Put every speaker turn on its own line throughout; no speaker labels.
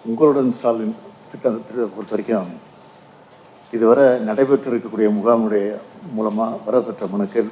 உங்களுடன் ஸ்டாலின் திட்டத்தை பொறுத்த வரைக்கும் இதுவரை நடைபெற்று இருக்கக்கூடிய முகாமுடைய மூலமாக வரப்பெற்ற மனுக்கள்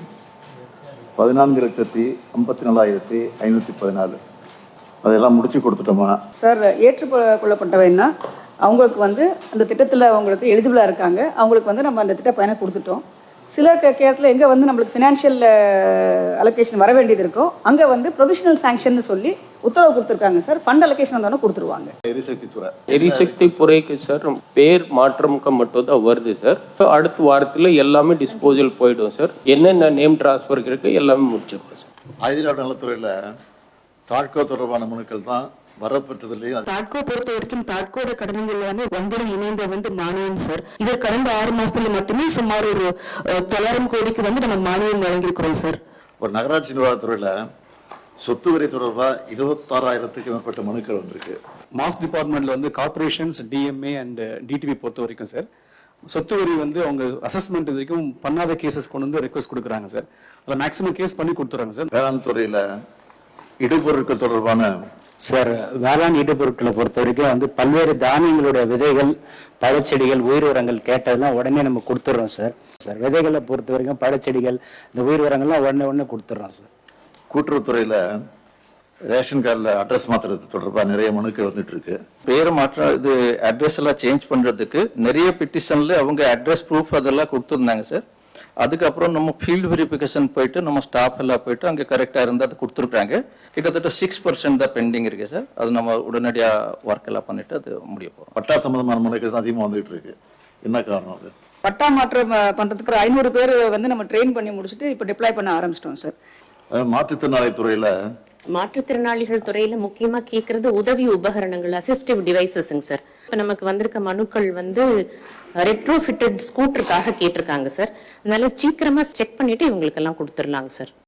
14,54,514. அதெல்லாம் முடிச்சு கொடுத்துட்டோமா
சார்? ஏற்றுக்கொள்ளப்பட்டவைன்னா அவங்களுக்கு வந்து அந்த திட்டத்தில் அவங்களுக்கு எலிஜிபிளாக இருக்காங்க, அவங்களுக்கு வந்து நம்ம அந்த திட்ட பயனை கொடுத்துட்டோம். சில கேரத்தில் எங்கே வந்து நம்மளுக்கு ஃபினான்ஷியல் அலோகேஷன் வர வேண்டியது இருக்கோ அங்கே வந்து ப்ரொவிஷனல் சாங்ஷன் சொல்லி உத்தரவு கொடுத்துருக்காங்க சார். ஃபண்ட் அலோகேஷன் வந்தாலும் கொடுத்துருவாங்க.
எரிசக்தி துறைக்கு சார் பேர் மாற்றமுக்க மட்டும் தான் வருது சார். அடுத்த வாரத்தில் எல்லாமே டிஸ்போசல் போயிடும் சார். என்னென்ன நேம் டிரான்ஸ்ஃபர் இருக்கு எல்லாமே முடிச்சிருக்கோம் சார்.
ஆயுதிராட நலத்துறையில் தாட்கோ தொடர்பான மனுக்கள் தான் வரப்பெற்றதுலேயே.
தாட்கோ பொறுத்த வரைக்கும் தாட்கோட கடன்கள் எல்லாமே ஒன்பதும் இணைந்த வந்து மானியம் சார். இது கடந்த 6 மாசத்துல மட்டுமே சுமார் ஒரு 900 கோடிக்கு வந்து நம்ம மானியம் வழங்கியிருக்கிறோம் சார்.
ஒரு நகராட்சி நிர்வாகத்துறையில் சொத்து வரி தொடர்பாக 26,000க்கும் மேற்பட்ட மனுக்கள் வந்திருக்கு.
மாஸ் டிபார்ட்மெண்ட்ல வந்து கார்பரேஷன்ஸ், டிஎம்ஏ அண்ட் டிடிவி பொறுத்த வரைக்கும் சார் சொத்து வரி வந்து அவங்க அசஸ்மெண்ட் இது வரைக்கும் பண்ணாத கேசஸ் கொண்டு வந்து ரெக்வஸ்ட் கொடுக்குறாங்க சார். அதில் மேக்ஸிமம் கேஸ் பண்ணி கொடுத்துறாங்க சார்.
வேளாண் துறையில் இடுபொருட்கள் தொடர்பான
சார், வேளாண் இடுபொருட்களை பொறுத்த வரைக்கும் வந்து பல்வேறு தானியங்களுடைய விதைகள், பழச்செடிகள், உயிர் உரங்கள் கேட்டதெல்லாம் உடனே நம்ம கொடுத்துட்றோம் சார். விதைகளை பொறுத்த வரைக்கும் பழச்செடிகள், இந்த உயிர் உரங்கள்லாம் உடனே கொடுத்துட்றோம் சார்.
கூட்டுறவுத்துறையில் ரேஷன் கார்டில் அட்ரஸ் மாற்றுறது தொடர்பாக நிறைய மனுக்கள் வந்துட்டு இருக்கு.
பேர் மாற்றம், இது அட்ரஸ் எல்லாம் சேஞ்ச் பண்றதுக்கு நிறைய பெட்டிஷன்ல அவங்க அட்ரஸ் ப்ரூஃப் அதெல்லாம் கொடுத்துருந்தாங்க சார். அதுக்கப்புறம் நம்ம ஃபீல்டு வெரிஃபிகேஷன் போயிட்டு நம்ம ஸ்டாஃப் எல்லாம் போயிட்டு அங்கே கரெக்டாக இருந்தால் அது கொடுத்துருக்காங்க. கிட்டத்தட்ட 6% தான் பெண்டிங் இருக்கு சார். அது நம்ம உடனடியாக ஒர்க் எல்லாம் பண்ணிட்டு அது முடிய போகிறோம்.
பட்டா சம்பந்தமான மனுக்கள் தான் அதிகமாக வந்துட்டு இருக்கு. என்ன காரணம் அது?
பட்டா மாற்றம் பண்ணுறதுக்கு 500 பேர் வந்து நம்ம ட்ரெயின் பண்ணி முடிச்சுட்டு இப்போ டிப்ளாய் பண்ண ஆரம்பிச்சிட்டோம் சார்.
மாற்றுத்திறனாளி துறையில்
மாற்றுத்திறனாளிகள் துறையில முக்கியமா கேட்கறது உதவி உபகரணங்கள், அசிஸ்டிவ் டிவைசஸ்ங்க சார். இப்ப நமக்கு வந்திருக்க மனுக்கள் வந்து ரெட்ரோஃபிட்டட் ஸ்கூட்டருக்காக கேட்டிருக்காங்க சார். அதனால சீக்கிரமா செக் பண்ணிட்டு இவங்களுக்கு எல்லாம் கொடுத்துடலாங்க சார்.